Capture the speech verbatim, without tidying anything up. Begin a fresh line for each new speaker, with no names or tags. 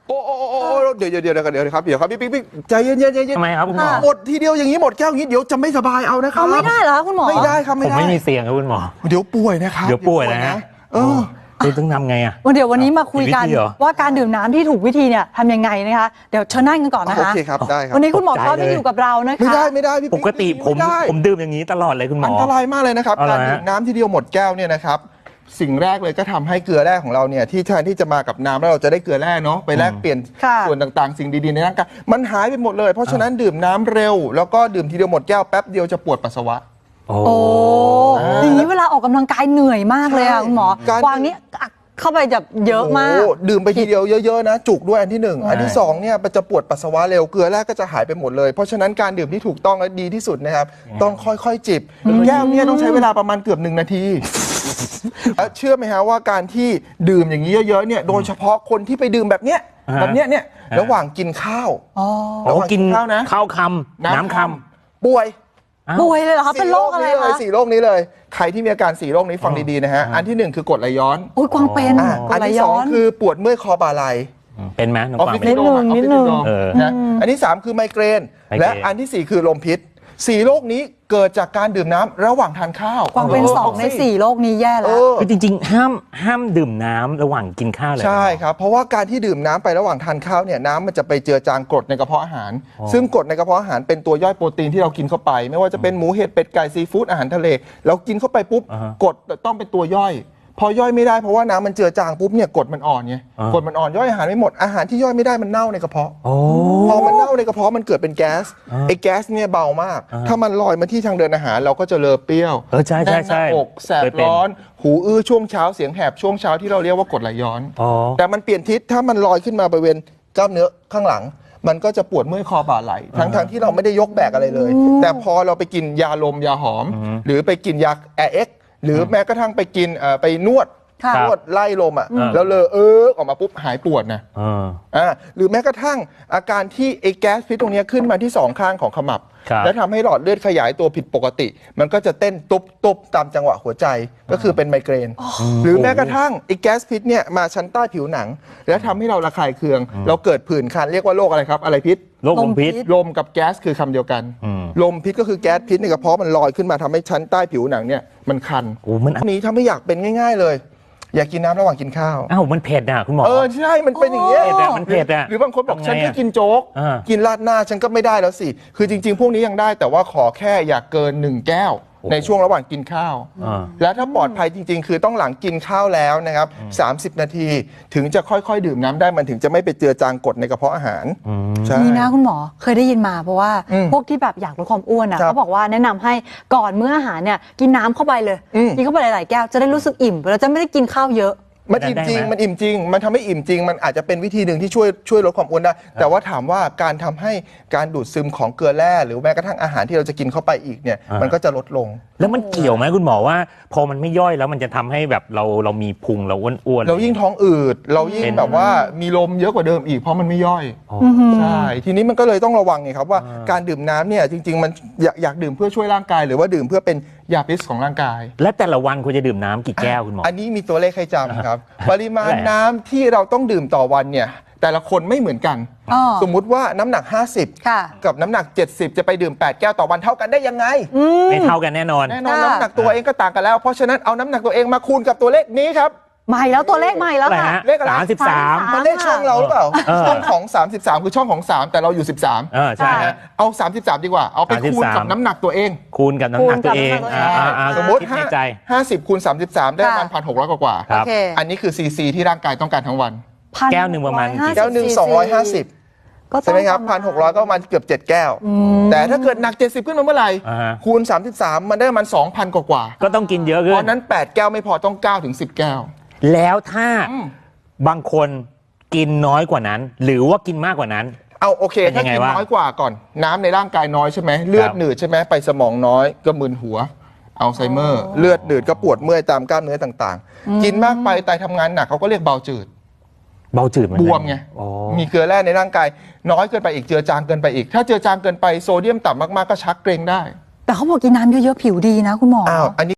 โอ้โอ้โอ้เดี๋ยวเดี๋ยวเดี๋ยวเดี๋ยวครับเดี๋ยวครับพี่ปิ๊กใจเย็นเย็นเย็น
ทำไมครับคุณหมอ
หมดทีเดียวอย่างนี้หมดแก้วอย่างนี้เดี๋ยวจะไม่สบายเอานะครับ
เอาไม่ได้เหรอคุณหมอ
ไม่ได้ครับ
ผ
ไม่
ม
ได้
ไม่มีเสียงครับคุณหมอ
เดี๋ยวป่วยนะครับ
เดี๋ยวป่วยนะฮะ
เออ
คุณต้องทำไงอ่ะ
วันเดี๋ยววันนี้มาคุยกัน
มีวิธีเหรอ
ว่าการดื่มน้ำที่ถูกวิธีเนี่ยทำยังไงนะคะเดี๋ยวเชิญนั่งกันก่อนนะคะ
โอเคครับได้ครับ
วันนี้คุณหมอท็อปจะอยู่กับเรานะคะ
ไม่ได้ไม่ได้พี่
ปกติผมผมดื่มอย่างนี้ตลอดเลยคุณหมอ
อันตรายมากเลยนะครับ
อะไรฮะ
การดื่มน้ำทีเดียวหมดแก้วเนี่ยนะครับสิ่งแรกเลยก็ทำให้เกลือแร่ของเราเนี่ยที่แทนที่จะมากับน้ำแล้วเราจะได้เกลือแร่เนาะไปแลกเปลี่ยน
ค่ะ
ส่วนต่างๆ สิ่งดีๆในร่างกายมันหายไปหมดเลยเพราะฉะนั้นดื่มน้ำเร็ว แล้วก็ดื่มทีเดียวหมดแก้วแป๊บเดียวจะปวดปัสสาวะ
โอ้
โอ้อย่างนี้เวลาออกกำลังกายเหนื่อยมากเลยอ่ะ
ใช่
คุณหมอ
การ
วางนี้อักเข้าไปแบบเยอะมาก
โอ้ดื่มไปทีเดียวเยอะๆนะจุกด้วยอันที่หนึ่งอันที่สองเนี่ยมันจะปวดปัสสาวะเร็วเกลือแร่ก็จะหายไปหมดเลยเพราะฉะนั้นการดื่มที่ถูกต้องและดีที่สุดนะครับต้องค่อยๆจิบแก้วเนี่ยต้องใช้เวลาประมาณเกือบหนึ่งนาทีแล้วเชื่อไหมฮะว่าการที่ดื่มอย่างนี้เยอะๆเนี่ยโดยเฉพาะคนที่ไปดื่มแบบเนี้ยแบบเนี้ยเนี่ยระหว่างกินข้าว
อ๋อ
โอ้กิน
ข้าวนะ
ข้าวคำน้ำคำ
ป่วย
ป่วยเลยเหรอคะเป็นโรคอะไร
สี่
คะ
สี่โรคนี้เลยใครที่มีอาการสี่โรคนี้ฟังดีๆนะฮะอันที่หนึ่งคือกรดไหลย้อน
อุ้ยกวางเป็น
อ่ะ
กร
อั
ด
น
ไหล
ที่ส
ย้
อง
อน
คือปวดเมื่อยคอบ่าไหล่
เป็นไหมน้อง
ออฟ
ฟัง
ฟิศ
เป็น
ซินโดรม
นิดนึง
ออฟฟิศซินโดรม
เออ
นะอันที่สามคือไมเกรน
ไมเกรน
และอันที่สี่คือลมพิษสี่โรคนี้เกิดจากการดื่มน้ำระหว่างทานข้าว
กวางเป็นสองในสี่โรคนี้แย่
เอ
แล้ว
อ
คือจริงๆห้ามห้ามดื่มน้ำระหว่างกินข้าวเลย
ใช่ครับเพราะว่าการที่ดื่มน้ำไประหว่างทานข้าวเนี่ยน้ำมันจะไปเจือจางกรดในกระเพาะอาหาร ซึ่งกรดในกระเพาะอาหารเป็นตัวย่อยโปรตีนที่เรากินเข้าไป ไม่ว่าจะเป็นหมูเห็ดเป็ดไก่ซีฟู้ดอาหารทะเลเรากินเข้าไปปุ๊บกรดต้องเป็นตัวย่อย พอย่อยไม่ได้เพราะว่าน้ำมันเจือจางปุ๊บเนี่ยกรดมันอ่อนไงกรดมันอ่อนย่อยอาหารไม่หมดอาหารที่ย่อยไม่ได้มันเน่าในกระเพาะ
โอ้
พอมันเน่าในกระเพาะมันเกิดเป็นแก๊สไอ้แก๊สเนี่ยเบามาก ถ้ามันลอยมาที่ทางเดินอาหารเราก็จะเลอะเปรี้ยว
เออใช่ใช่ใช่
แน่นหน้าอกแสบ
เคยเป็น
ร้อน หูอื้อช่วงเช้าเสียงแหบช่วงเช้าที่เราเรียกว่ากรดไหลย้อน
อ๋อ
แต่มันเปลี่ยนทิศถ้ามันลอยขึ้นมาบริเวณกล้ามเนื้อข้างหลัง มันก็จะปวดเมื่อยคอบ่าไหล่ทั้งทั้งที่เราไม่ได้ยกแบกอะไรเลย แต่พอเราไปกินยาลมยาหอม หรือไปกินยาแอร์เอ็กหรือแม้กระทั่งไปกินเอ่อไปนวด
ค่ะ
นวดไล่ลมอ่ะ
อืม
แล้วเลอเออออกมาปุ๊บหายปวดนะ
เออ
อ่าหรือแม้กระทั่งอาการที่ไอ้แก๊สพิษตรงเนี้ยขึ้นมาที่สองข้างของขมับ
ครับ
แล้วทำให้หลอดเลือดขยายตัวผิดปกติ มันก็จะเต้นตุบตุบตามจังหวะหัวใจก็คือเป็นไมเกรน หรือแม้กระทั่งไอ้แก๊สพิษเนี่ยมาชั้นใต้ผิวหนัง แล้วทำให้เราระคายเคือง เราเกิดผื่นคันเรียกว่าโรคอะไรครับอะไรพิษ
โรคลมพิษ
ลมกับแก๊สคือคำเดียวกัน
อืม
ลมพิษก็คือแก๊สพิษในกระเพาะมันลอยขึ้นมาทำให้ชั้นใต้ผิวหนังเนี่ยมันคัน
โอ้มัน
อันนี้ถ้าไม่อยากเป็นง่าย ๆเลย อยากกินน้ำระหว่างกินข้าว
อ้าวมันเผ็ดอ่ะคุณหมอ
เออใช่มันเป็นอย่างเงี้ย
เผ็ดอะมันเผ็ดอะ
หรือบางคนบอก
ทำไงอะ
ฉันแค่กินโจ๊ก
อ่า
กินราดหน้าฉันก็ไม่ได้แล้วสิ คือจริง ๆ พวกนี้ยังได้แต่ว่าขอแค่อย่าเกินหนึ่งแก้ว ในช่วงระหว่างกินข้าว
อ่า
แล้วถ้าปลอดภัยจริง ๆ คือต้องหลังกินข้าวแล้วนะครับสามสิบนาที ถึงจะค่อยๆ ดื่มน้ำได้มันถึงจะไม่ไปเจือจางกรดในกระเพาะอาหารใช่
นี่นะคุณหมอเคยได้ยินมาเพราะว่า
อืม
พวกที่แบบอยากลดความอ้วนอ่ะ
ครับ
เขาบอกว่าแนะนำให้ก่อนมื้ออาหารเนี่ยกินน้ำเข้าไปเลย
อืม
กินเข้าไปหลายๆแก้วจะได้รู้สึกอิ่มแล้วจะไม่ได้กินข้าวเยอะ
มันอิ่มจริง
ได้ไหม
มันอิ่มจริง มันทำให้อิ่มจริง มันอาจจะเป็นวิธีหนึ่งที่ช่วยช่วยลดความอ้วนได้ แต่ว่าถามว่าการทำให้การดูดซึมของเกลือแร่หรือแม้กระทั่งอาหารที่เราจะกินเข้าไปอีกเนี่ย
อ่ามั
มันก็จะลดลง
แล้วมันเกี่ยวไหมคุณหมอว่า พอมันไม่ย่อยแล้วมันจะทำให้แบบเราเรามีพุงเราอ้วนๆ
เรายิ่งท้องอืด เรายิ่ง
เป็น
แบบว่ามีลมเยอะกว่าเดิมอีกเพราะมันไม่ย่อย
อ๋อ
ใช่ ทีนี้มันก็เลยต้องระวังไงครับว่าการดื่มน้ำเนี่ยจริง ๆ มันอยากอยากดื่มเพื่อช่วยร่างกาย หรือว่าดื่มเพื่อเป็นยาพิษของร่างกาย
และแต่ละวันควรจะดื่มน้ำกี่แก้วคุณหมอ
อันนี้มีตัวเลขให้จำครับ ปริมาณ
เท่าไหร่
น้ำที่เราต้องดื่มต่อวันเนี่ยแต่ละคนไม่เหมือนกัน
อ๋อ
สมมุติว่าน้ำหนัก ห้าสิบ
ค่ะ
กับน้ำหนัก เจ็ดสิบ จะไปดื่ม แปด แก้วต่อวันเท่ากันได้ยังไง
ไม่เท่ากันแน่นอน
แน่นอน
ค่ะ
น้ำหนักตัวเองก็ต่างกันแล้ว เพราะฉะนั้นเอาน้ำหนักตัวเองมาคูณกับตัวเลขนี้ครับ
ใหม่แล้วตัวเลขใหม่แล้ว
อะไร
ค่ะ
ฮะ
เลขอะไร
สามสิบสาม
สาม
มันเลขช่องเราหรือเปล่า
เออ
ช่องของ สามสิบสาม คือช่องของ สาม แต่เราอยู่ สิบสาม
เออใช่ฮะ
เอา สามสิบสาม ดีกว่า เอาไปคูณกับ
สามสิบสาม
น้ำหนักตัวเอง
คูณกับน้ำหนักตัวเอง
คูณกับน้ำหนักตัวเอง
อ่าอ่า
สมมติ
คิดในใจ
ห้าสิบคูณสามสิบสามได้ประมาณ
ค่ะ
พันหกร้อยกว่า
ครั
โอบ เค
ๆอันนี้คือซีซีที่ร่างกายต้องการทั้งวัน
แก้วหนึ่งประมาณกี่
แก้วหนึ่งสองร้อยห้าสิบ
ก็ต้
ใช่
อง
ไหมครับ
ป
พั
ระ
น
มาณ
หกร้อยก็ประมาณเกือบเจ็ดแก้ว แต่ถ้าเกิดหนักเจ็ดสิบขึ้นมาเมื่อไหร่
อ่าฮะ
คูณสามสิบสามมันได้ประมาณสองพันกว่าๆ
ก็ต้องกินเยอะ
เพ
ขึ้น
ราะนั้นแปดแก้วไม่พอต้องเก้าถึงสิบแก้ว
แล้วถ้า
อืม
บางคนกินน้อยกว่านั้น หรือว่ากินมากกว่านั้น
เอาโอเค
เป็นยั
ถ้าง
ไง
กิน
วะ
น้อยกว่าก่อน น้ำในร่างกายน้อยใช่ไหมเลือด
ครับ
หนืดใช่ไหมไปสมองน้อยก็มึนหัวอัลไซเมอร์ เลือดหนืดก็ปวดเมื่อยตามกล้ามเนื้อต่างๆ กินมากไปไตทำงานหนักเขาก็เรียกเบาจืด
เบาจืดเหมือน
บ
กัน
วมไง
อ๋อ
มีเกลือแร่ในร่างกายน้อยเกินไปอีกเจือจางเกินไปอีก ถ้าเจือจางเกินไปโซเดียมต่ำมากๆก็ชักเกร็งได้
แต่เขาบอกกินน้ำเยอะๆผิวดีนะคุณหมอ
อ้าวอันนี้